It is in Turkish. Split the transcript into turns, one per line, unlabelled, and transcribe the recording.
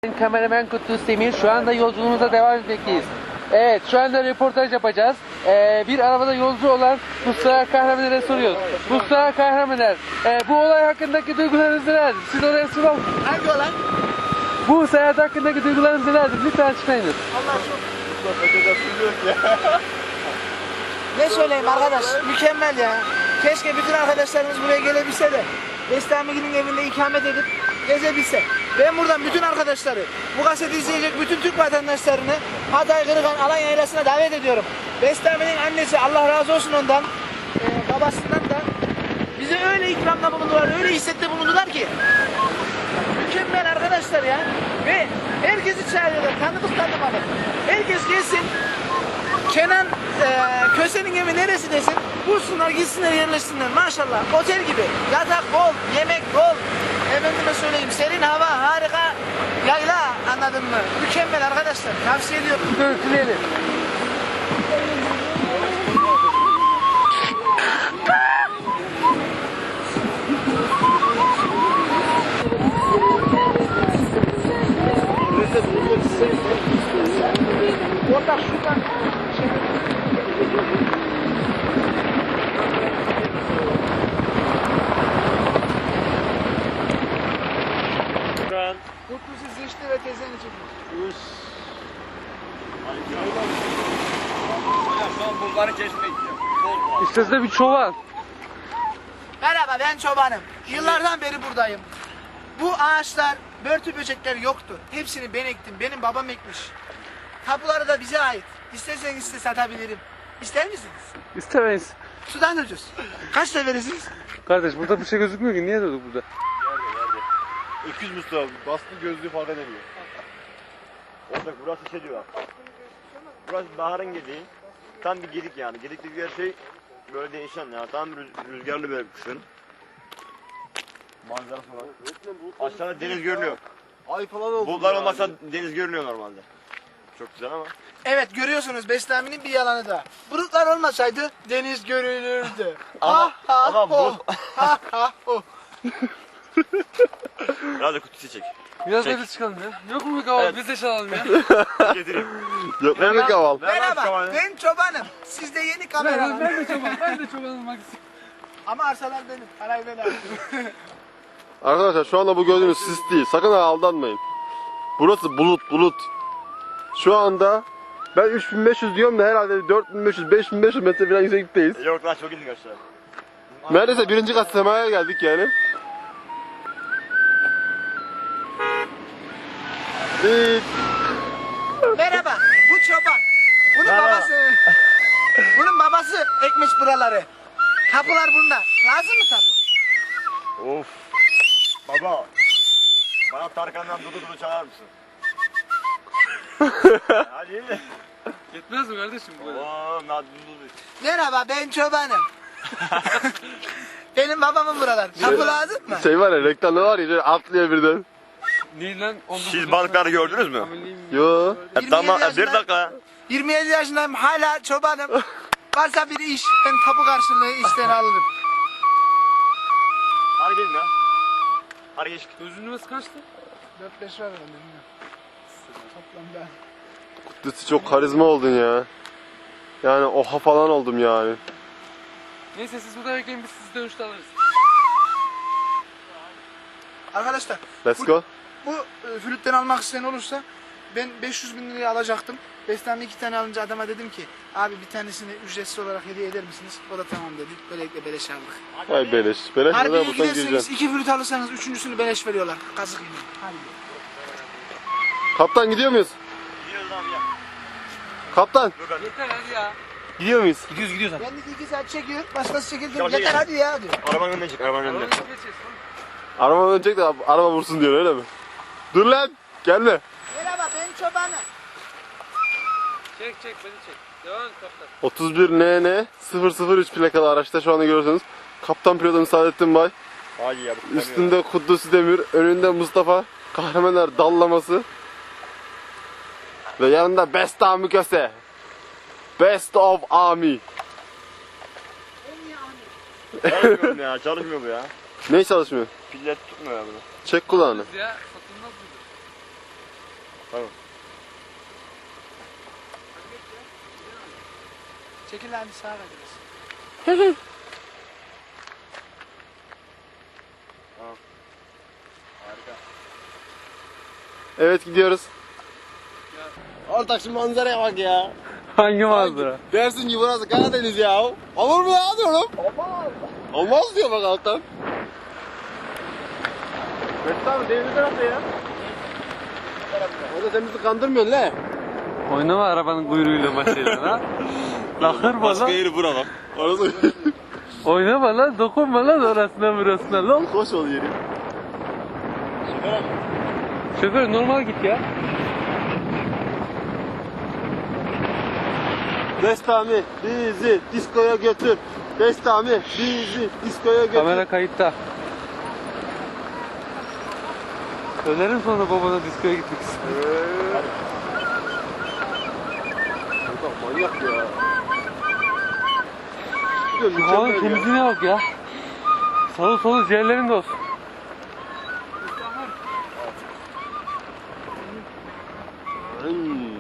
Kameraman Kutlu Semir, şu anda yolculuğumuza devam etmekteyiz. Evet, şu anda röportaj yapacağız. Bir arabada yolcu olan Mustafa Kahraman'a soruyoruz. Mustafa Kahraman, bu olay hakkındaki duygularınız nelerdir? Siz oraya soralım.
Hangi olay?
Bu seyahat hakkındaki duygularınız nelerdir? Lütfen açıklayınız.
Allah çok... Ne söyleyeyim arkadaş? Mükemmel ya. Keşke bütün arkadaşlarımız buraya gelebilse de Bestami'nin evinde ikamet edip gezebilse. Ben buradan bütün arkadaşları, bu kaseti izleyecek bütün Türk vatandaşlarını Hatay, Kırıkan, Alanya Yaylası'na davet ediyorum. Bestami'nin annesi, Allah razı olsun ondan, babasından da bize öyle ikramda bulundular, öyle hissette bulundular ki. Mükemmel arkadaşlar ya. Ve herkesi çağırıyorlar, tanıdık tanımadık. Herkes gelsin. Kenan Köse'nin evi neresi desin, bulsunlar gitsinler yerleşsinler maşallah, otel gibi, yatak bol, yemek bol, efendime söyleyeyim serin hava, harika yayla, anladın mı? Mükemmel arkadaşlar, tavsiye ediyorum.
Görüntüleyelim.
Ortak şuradan Mutlu siz işte ve teyzeni çekiyor.
İşte size bir çoban.
Merhaba, ben çobanım. Yıllardan beri buradayım. Bu ağaçlar, börtü böcekler yoktu. Hepsini ben ektim. Benim babam ekmiş. Tapuları da bize ait. İsterseniz size satabilirim. İster misiniz?
İstemeyiz.
Sudan ucuz. Kaçta verirsiniz?
Kardeş burada bir şey gözükmüyor ki. Niye durduk burada?
Öküz Mustafa, bastı gözlüğü fark edemiyor. Orada burası şey diyor. Burası baharın gediği. Tam bir gedik yani. Gedik dediği her şey böyle değişen ya. Tam rüzgarlı böyle kışın. Manzara falan. Aşağıda deniz görünüyor.
Ay falan oldu.
Bulutlar olmasa deniz görünüyor normalde. Çok güzel ama.
Evet, görüyorsunuz Bestami'nin bir yalanı da. Bulutlar olmasaydı deniz görülürdü.
Ama- ama
ho. Ha ha ho.
Biraz da kutusu çek.
Biraz
Çek.
da biz çıkalım ya. Yok mu bir kahvaltı?
Evet.
Biz de çalalım ya.
Getireyim.
Yok ne bir kaval.
Merhaba, ben çobanım. Siz de yeni kameraman.
Ben de çoban. Ben de çoban olmak istiyorum.
Ama arsalar benim. Parayı ben aldım.
Arkadaşlar şu anda bu gördüğünüz sis değil. Sakın ha aldanmayın. Burası bulut. Şu anda ben 3500 diyorum da herhalde 4500-5500 metre falan yükseklikteyiz.
Yok lan çok indik aşağı.
Neredeyse birinci kat semaya geldik yani.
Merhaba, bu çoban.
Merhaba.
Bunun babası ekmiş buraları. Tapular bunda. Lazım mı tapu?
Of. Baba. Bana Tarkan'dan Dudu çalar mısın? Hadi.
Yetmez mi kardeşim bu?
Oo, Dudu.
Merhaba, ben çobanım. Benim babamın buralar. Tapu lazım mı?
Şey var ya, reklamda var ya, şöyle atlıyor birden.
Neyi lan?
Siz balıkları gördünüz mü?
Yo.
27
Tamam bir
yaşındayım.
dakika.
27 yaşındayım, hala çobanım. Varsa bir iş, ben tapu karşılığı işten alırım.
Hadi gelin ya. Hadi geç.
Özünümüz kaçtı?
4-5 var herhalde, bilmiyorum. Toplamda.
Kutlusu çok karizma oldun ya. Yani oha falan oldum yani.
Neyse siz burada bekleyin, biz sizi dönüşte alırız.
Arkadaşlar,
Let's go.
bu flütten almak isteyen olursa ben 500 bin liraya alacaktım. Bestami 2 tane alınca adama dedim ki abi bir tanesini ücretsiz olarak hediye eder misiniz? O da tamam dedi. Böylelikle beleş aldık.
Ay beleş. Beleş
Harbiye
neden buradan
giderseniz
gireceksin?
2 flüt alırsanız üçüncüsünü beleş veriyorlar. Kazık yine. Hadi.
Kaptan gidiyor muyuz?
Gidiyoruz abi ya.
Kaptan.
Yeter hadi ya.
Gidiyor muyuz?
Kendisi 2 saat çekiyor. Başkası çekildi.
Ya,
Yeter
ya.
hadi ya diyor.
Arabanın önüne çık, arabanın önüne.
Geçeceğiz.
Araba dönecek de araba vursun diyor, öyle mi? Dur lan. Gelme.
Merhaba, ben çobanım.
Çek beni çek. Devam et kaptan.
31 NN 003 plakalı araçta şu anda görüyorsunuz. Kaptan pilotum Saadettin Bay.
Hadi ya. bu
Üstünde Kudüs Demir, önünde Mustafa. Kahramanlar dallaması. Ve yanında Bestami Köse. Best of Army.
Çalışmıyor ya, çalışmıyor bu ya.
Ne çalışmıyor?
Piller tutmuyor ya bunu.
Çek kulağını.
Ya satılmaz mıydı?
Tamam.
Çekil lan sağa kaçırız.
Evet gidiyoruz. Ortak şu manzaraya bak ya.
Hangi manzara?
Dersin ki burası Karadeniz ya. Olur mu ya diyorum. Olmaz. Olmaz diyor bak alttan. Mesut abi deniz tarafta ya. Orada sen bizi kandırmıyorsun la.
Oynama arabanın kuyruğuyla başlayalım ha. Lakır
Başka
bana.
yeri bura bak. Orası
Oynama lan, dokunma lan orasına burasına lan.
hoş ol yeri.
Şoför normal git ya.
Bestami bizi diskoya götür. Bestami bizi diskoya götür.
Kamera kayıtta. Söylerim sonra babana diskoya gitmek istiyorum.
Manyak ya.
Şu havanın temizliğine bak ya. Solu solu ciğerlerin de olsun.
Hmm.